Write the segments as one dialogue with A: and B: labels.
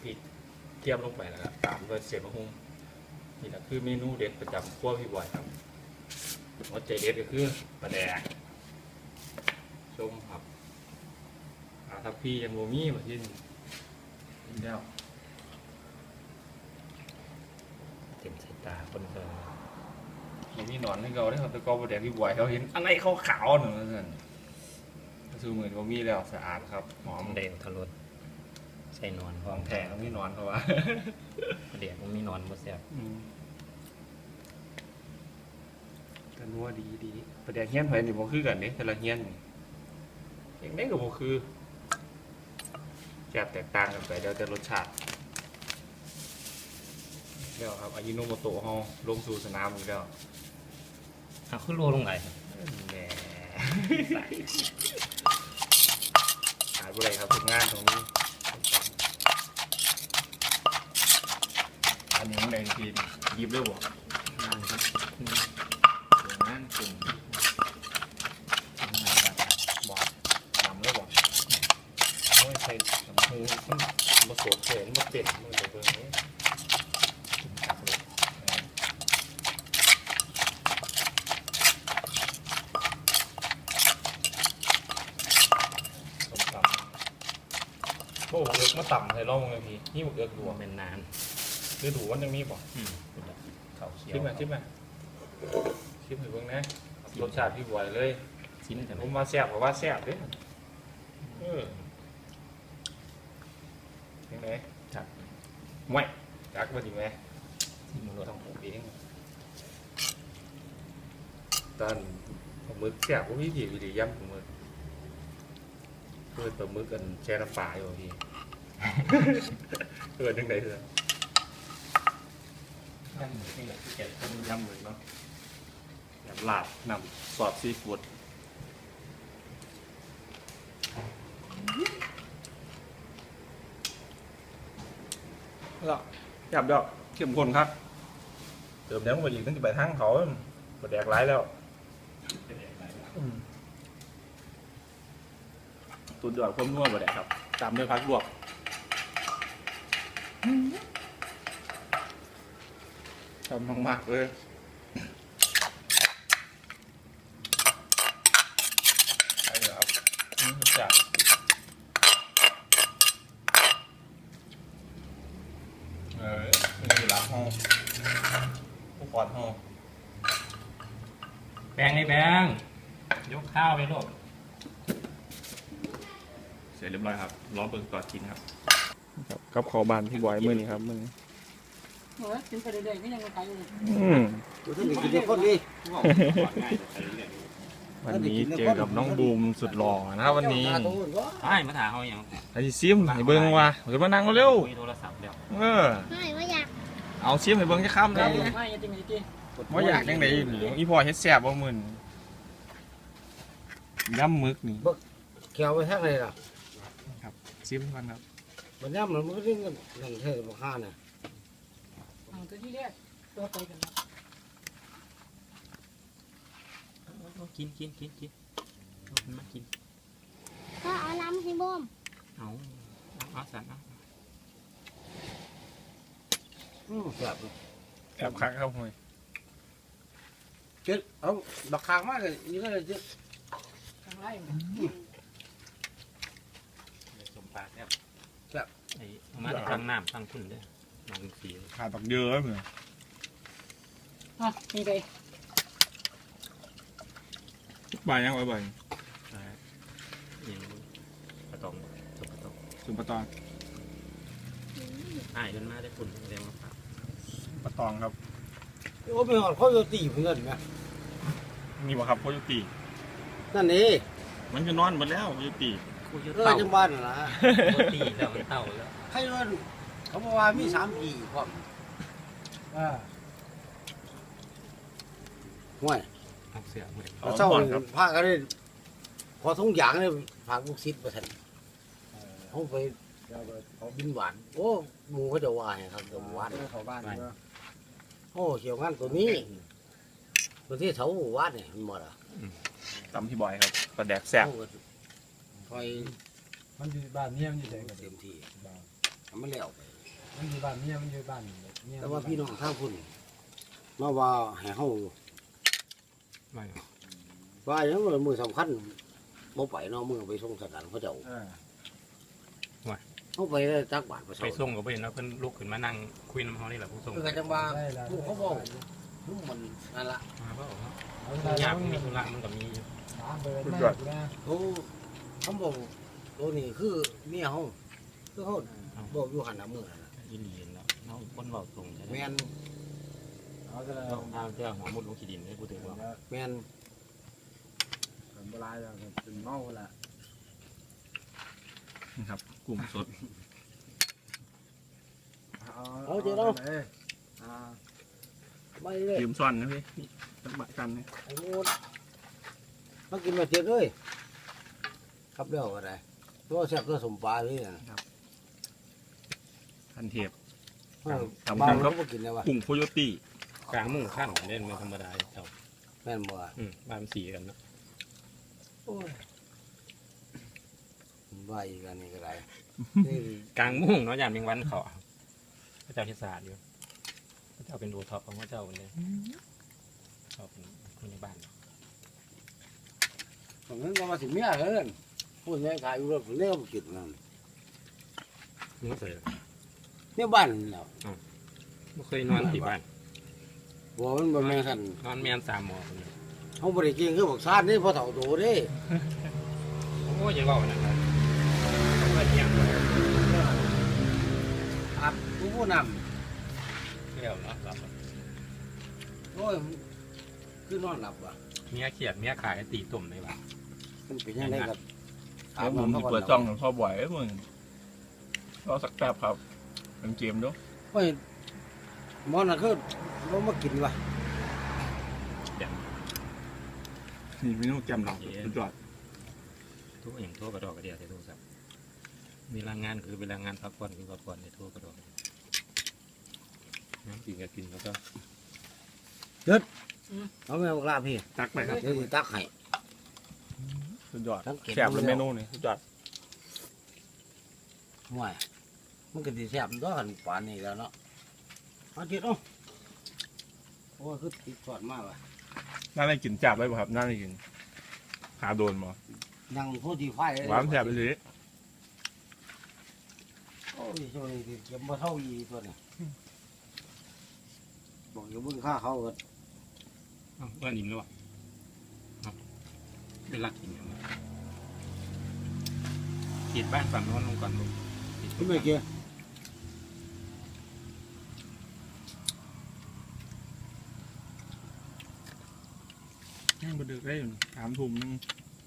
A: พริกเทียมลงไปแล้วก็ตามด้วยเศษมะฮุ่งนี่แหละคือเมนูเด็ดประจำครัวพี่บอยครับหัวใจเด็ดก็คือปลาแดกชมครับทับพี่ยังโมมี่มาที่นี่แล้วเต็มสายตาคนเคยมีหนอนให้เขาได้ครับแต่ก็ปลาแดกพี่บอยเขาเห็นอะไรขาวๆหนึ่งนั่นคือเหมือนโมมี่แล้วสะอาดครับหอม
B: แดงทะลุใส่นอน
A: ของแท้เขาไม่นอนเขาว่า
B: เดี๋ยวมันมีนอนบ่แซ่บ
A: กันนัวดีประเดี๋ยวเฮี้ยนไผ่นี่บ่คือกันเด้แต่ละเฮี้ยนอย่างนี้ก็บ่คือแซ่บแตกต่างกันไปเดี๋ยวแต่รสชาติแล้วครับอายิโนโมโตะเฮาลงสู่สนามอีกแล้ว
B: เอาขึ้นโลลงไหน
A: แหมขาดบ่ได้ครับทุกงานตรงนี้อันนี้มันได้ทีหยิบเลยบ่งานครับงานกลุ่มบอกทำเลยบอกไม่ใช่ทำมือมันมาสวมเสนมาเต็มมือแต่เบอร์นี้ตักเลยต่ำโอ้เอือกมาต่ำใส่ร่องเลยพี่นี่เอือกดู
B: เป็นนาน
A: คือดูวันยังมีป่ะ
B: เขาเขียว
A: ชิมมาชิมให้เบิ่งนะรสชาติพี่บอยเลย
B: ชิ้นแต่
A: ผมมาแซ่บกับว่าแซ่บเด้ยังไง
B: ครับ
A: ไม่จักมาดีไหม
B: ชิ้นมันรส
A: ต้องปลูกเองตอนผมมึกแซ่บพวกพี่วิริย่ำผมมึกเพื่อนตัวมึกกันแช่น้ำปลาอยู่พี่เพื่อนยังไงเถอะ
B: ย่ำนี่แหละที่เก็บ
A: ย่ำมึกเนาะยำลาบนำซอสซีฟู้ดแล้วจับดอกเข้มข้นครับเติมแล้วมาอีกตั้งแต่ไปทางเขาบดแดกร้ายแล้วตุนยอดความนัวบดแดกครับตามด้วยพักลวกทำมากๆเลยใช่ครับจับนี่ละห้องผู้ปอดห้อง
B: แบงไอ้แบงยกข้าวไปโลด
A: เสร็จเรียบร้อยครับรอเบิกก่อนกินครับกับขอบานพี่บอยมือนี้ครับมือนี้
C: เฮ้ยกินไปเรื่อยๆไม่ยังไงอยู่เลย
D: ดูท่านกินเด็กคนดี
A: วันนี้เจอกับน้องบูมสุดหล่อนะครับวันนี้
B: ใช่มาถามเขาอย่าง
A: ไอ้ซิมให้เบิ้งว่ะเดี๋ยวมานั่งเร็ว
B: คุยโทรศัพท์เดี๋ยว
A: เออ
E: ไม่ว่าอยาก
A: เอาซิมให้เบิ้งจะค้ำนะ
C: ไม่จริงจริง
A: ว่าอยากยังไงอีพอเฮ็ดแซ่บบ่มึนย่ำมึกนี่
D: เขียวไปทักเลยล่ะ
A: ซิมกันครับ
D: วันนี้มันไม่ได้เงินเธอบอกข้าเนี่ย
C: ตัวที่แรกตัวไปกัน
B: กินมากิน
E: ก็เอาน้ำให้บ่ม
B: เอาสั่นเอา
D: แซ่บ
A: แอบคักครับห่วย
D: เจ็ดเอาดอกคางมากเลยนี่ก็เลยเจ็ด
C: ทางไล่
B: สมปากครับไอ้มาทางน้ำทางคุณด้วยมาเป็นสี
A: ขาดดอกเยอะเหมือน
C: อ่ะมีไป
A: ใบยังไว้ใบ
B: อย่างกระตองสมกระตอง
A: สุปะตอง
B: อ้ายจนมาได้ฝุ่นเร็วมาก
A: ปะตองครับ
D: โอ้ไม่หอดเขาจะตีเพื่อนไหม
A: นี่บ่ครับโคโยตี
D: นั่นนี่
A: มันจะนอนหมดแล้วโคโยตี
B: คุย
D: เต่า
B: เต่า
D: จังบ้านน่ะนะ
B: ตีแล้วมันเต่าแล้ว
D: ใครว่าเขาบอกว่ามี3 ปีความห่วย
B: เอาเสือเหมือน
D: เศร้าพากันเลยพอทุ่งยางเลยพาลูกศิษย์มาทันเขาไปเขาบินหวานโอ้หมูเขาจะว่าไงครับจะหวานเขาบ้านโอ้เขียวงานตัวนี้ตัวที่เขาวาดเนี่ยมันหมดอ่ะ
A: ตำพี่บอยครับปลาแดกแซ่บ
D: คอย
F: มันอยู่บ้านเนี่ยมันอยู่ไหนกัน
D: เต็มที่
F: บ้าน
D: เอมันแล้วไป
F: มันอยู่บ้านเมียมันอยู่บ้านเมีย
D: แต่ว่าพี่น้องข้างพุ่นมาว่าให้เฮา
B: ไม่
D: ว่าอย่างว่ามือสำคัญบ่ไปเนาะมือไปส่งสถานพระเจ้าเฮาไปได้จักบาทประ
B: ไปส่งก็ไปเห็นแล้วเพิ่นลุกขึ้นมานั่งคุยน้ำเขานี่แหละผู้ส่ง
D: คือกันจังว่าผู้เขาบอกผู้มันนั่นล่ะ
B: มาเปล่าครับ
F: เอา
B: ยากมีธุระมันก็มี
F: ถามเบอร์แม่กูนะ
D: เขาบอกตัวนี้คือเมียเฮาคือเฮาบอกอยู่หันหน้ามือนั่นน่ะ
B: ยินดีแล้วน้องคนเบาตรงใช่ไหม
D: แม่น
F: เอาจะ
B: เราทางเจ้าหัวมุดลงขีดินให้พูดถึงว่า
D: แม่น
F: โบราณแล้วเป็นเมาละ
A: นี่ครับกลุ่มสด
D: ไม่เลย
A: ยืมซ่อนนะพี่จังหวะกันเนี่ย
D: ไอ้โง่มากินมาเจ็ดเลยครับเดี๋ยวก็ได้ตัวแซ่บตัวสมปลาเลยนะ
A: ทันเทป
D: บ้านเราก็กินแล้ววะ
A: กลุ่มโคโยตี้
B: กลางมุ่งขั้นเล่นไม่ธรรมดาเจ้า
D: แม่นบ่
B: บ้านสีกันเนาะ
D: โอ้ยว่าอีกอันนี้ก็ได้นี่
B: กลางมุ่งเนาะยามเมียงวันเขาพระเจ้าทิศาสตร์อยู่พระเจ้าเป็นดูท็อปของพระเจ้าเลยเขาเป็นคนในบ้าน
D: ตรงนั้นก็มาสิเมียเฮิรนพูดง่ายขายอยู่รถเลี้ยวกินนั่น
B: นี่ก็เสร็จ
D: เนี่ยบ้านเนาะ
B: ไม่เคยนอนที่บ้าน
D: บ่มันบ่แม่นซั่น
B: นอนเมียน3 หมอคน
D: เฮาบ่ได้กินคือบักซ่านนี่พอเฒ่าโตเด้
B: โอ้ยอย่าบอกนะครับเพื่อนยัง
D: อาบผู้นำ
B: เที่ยวเนาะหลับ
D: โอ้ยคือนอนหลับว่ะ
B: เมียเขียดเมียขายตีตุ่มในบ้าน
D: มันเป็นยังไงครับ
A: แล้วผมเปิดจ้องของพ่อบ่อยมึงรอสักแป๊บครับเป็นเกมด้วย
D: โอ้ยหมอน่ะคือบ่มากินว่ะ
A: นี่เมนูแกมหลังสุดยอด
B: ทุกอย่างโทรกระดอกกระเดียดในโทรศัพท์เวลางานคือเวลางานพักผ่อนคือพักผ่อนในโทรกระดอกน้ำกินก็กินแล้วก็
D: เอาแม่บอกลาพี่
A: ตักไปครับ
D: เดี๋ยวสิตักให้
A: สุดยอด
D: สังเกต
A: แซ่บเลยเมนูนี่สุดยอด
D: ห่วยมันก็สิแซ่บตัวกันปานนี้แล้วเนาะเอาจิตเอ้าโอ้ยคือติดสอดมากว่ะ
A: น่าได้กินจับไว้ป่ะครับน่าได้กินหาโดนบ่
D: นั่งโพดีไฟเลย
A: หวานแซ่บไปเลย
D: โอ้ยช่วงนี้สิเก็บบ่เท่าอีตัวนี้บอกอยู่เบิ่งค่าเขาก็
B: เพื่อนอิ่มแล้วอ่ะเป็นรักกินอย่างนี้ขีดบ้านฝั่งโน้นลงก่อนลง
D: คุณไม่เกี่ย
A: ยังบ่ดึกได้อยู่3 ทุ่มนึง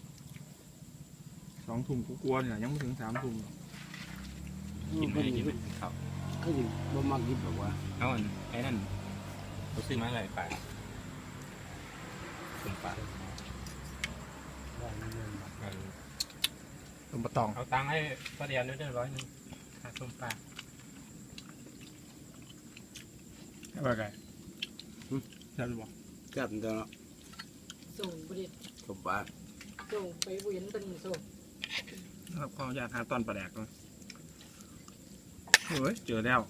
A: 2 ทุ่มกลัวๆเนี่ยยังไม่ถึง3 ทุ่ม
B: กินไม่ได้กินไม่ได้ข้าว
D: คือสิบ่มักกินแบบว่า
B: เอาอันไอ้นั่นเราซื้อมาอะไรไปสุ่มปลา
A: ต้มปลาตอง
B: เอาตังค์ให้ป้าเดียนด้วย100ค่าสุ่มปลา
A: แซ่บไก่แซ่บหรือเปล่า
D: แซ่บตัวเนาะ
C: ส่งบริษ
D: สมปลา
C: ส่งไปเวียนเป็นส่ง
A: ครับข้าวอยากหาตอนปลาแดกเลยเฮ้ยเจอแล้ว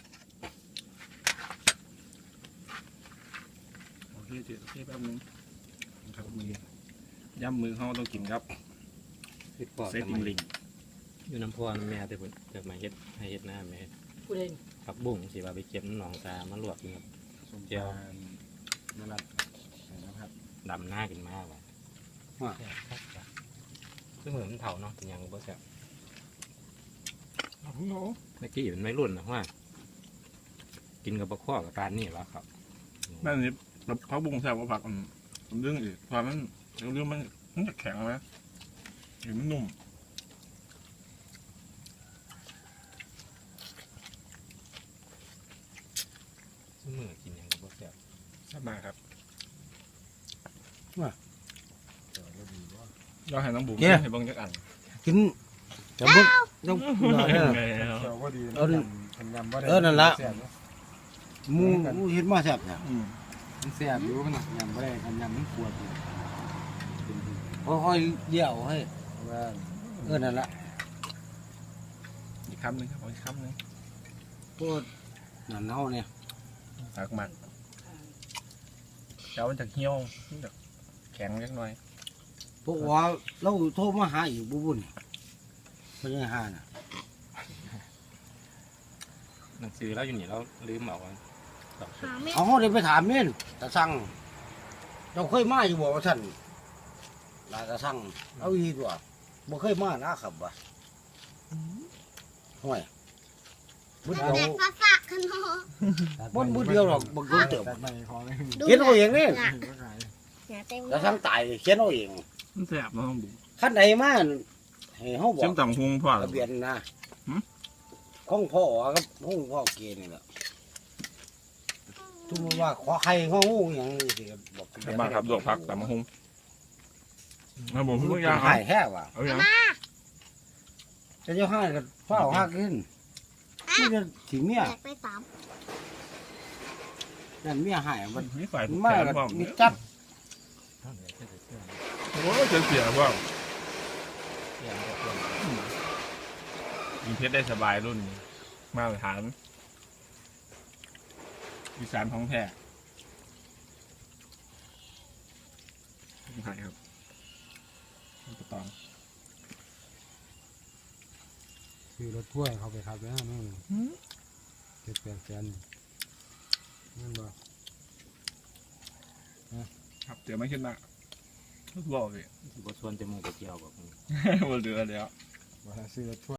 A: โอเคเจอโอเคแป๊บนึงครับมือย่ำมือเขาต้องกินครับเซตอิงลิง
B: อยู่น้ำพรแม่แต่ผมเกิดมาเฮ็ดให้เฮ็ดหน้าแม่
C: ผู้ใด
B: ผักบุ้งสิว่าไปเก็บหนองตามาลวกกินครับเจียว
F: นั่นแหละนะครับ
B: ดำหน้ากินมากว่ะซึ่งเหมือนมันเผาเนาะแต่ยังบ่แซ่บ
A: โอ้โห
B: เมื่อกี้เป็นไม่รุ่นนะว่า กินกับปลาข้อกับปลานี่แล้วครับ
A: แม่นี่ผักบุ้งแซ่บกว่าผักมันเรื่องอีกตอนนั้นเรื่องมันจะแข็งไหมเห็นมันนุ่ม
B: ซึ่งมือกินยังกับบ่แซ่บ
A: แซ่บมากครับเราให้น้องบุ๋มให้เบิ่งจักอัน
D: กินจะบึกต้อง
F: เจ้าก็ดีทำยำว่าได้
D: หมูเฮ็ดมาแซ่บเนี่ย
F: มันแซ่บอยู่มันยำว่าได้ทำยำมันปวดอยู่
D: ค่อยๆเดี่ยวให้
F: ว่า
D: นั่นละ
G: คำหนึ่งครับเอาอีกคำหนึ่ง
D: พวกนั่นเฮาเนี่ย
G: หักหมักเจ้ามันจะเหี่ยวมันจะแข็งเล็กน้อย
D: พวกว่าเราโทรมาหาอีกบุญเพิ่นยังหาน่ะ
B: หนังสือแล้วอยู่นี่เราลืมเอาไว้
E: หาแม่
D: เอาเฮาได้ไปถามเม่นตาสั่งเจ้าเคยมาอยู่บ่ว่าซั่นลาตาสั่งเอาอีตัวบ่เคยมานะครับว่าห่วยบุญ
E: แต่
D: เดียว
E: ภาษาขนม
D: บุญเดียวหรอกบ่รู้เติบ
F: ตัดไปพอเลย
E: ดู
D: เขียนเอาเองนี่
E: อย่าเต็ม
D: ตาสั่งตายเขียนเอาเอง
G: มันแสบเนาะบุ๋ม
D: คันใดมาให้เฮาบอ
G: เชื่อม
D: ก
G: ต่ำพุงพ่อ
D: ทะเบียนนะ
G: หืม
D: ของพ่อครับของพ่อเกณฑ์นี่แหละทุกคนว่าขอใครของงูอย่างนี้สิบอกทะเบียน
G: มาครับดวกผักต่ำพุงมาบุ๋ม
D: มั
G: เพิ่
D: น
G: ง
D: เป็
G: ยาน
D: หายแท้ว่ะ
G: เอาอย่าง
D: จะเจ้าห้าก็เฝ้าห้าขึ้นนี่จะถีเมีย
E: แจกไป3
D: นั่นเมียหายมัน
G: มีฝ่าย
D: มา
G: แขน
D: ก
G: พ่อม
D: มีจับ
G: โอ้ยเสียพ่อม
B: เพื่อนก็เพื่อน
G: ยิงเพชรได้สบายรุ่นนี้มาตรฐานอีสานท้องแท้หายครับกระตอง
F: คือรถถ้วยเขาไปขับแล้วนู่น7-8 แสนนั่นบ่
G: ครับเดี๋ยวไม่ขึ้นมาบอกเลย
B: บทชวนจมูกไปเกี่ยวกับ
G: บนเรือแล้ว
F: ว่าซื้อรถถ้วย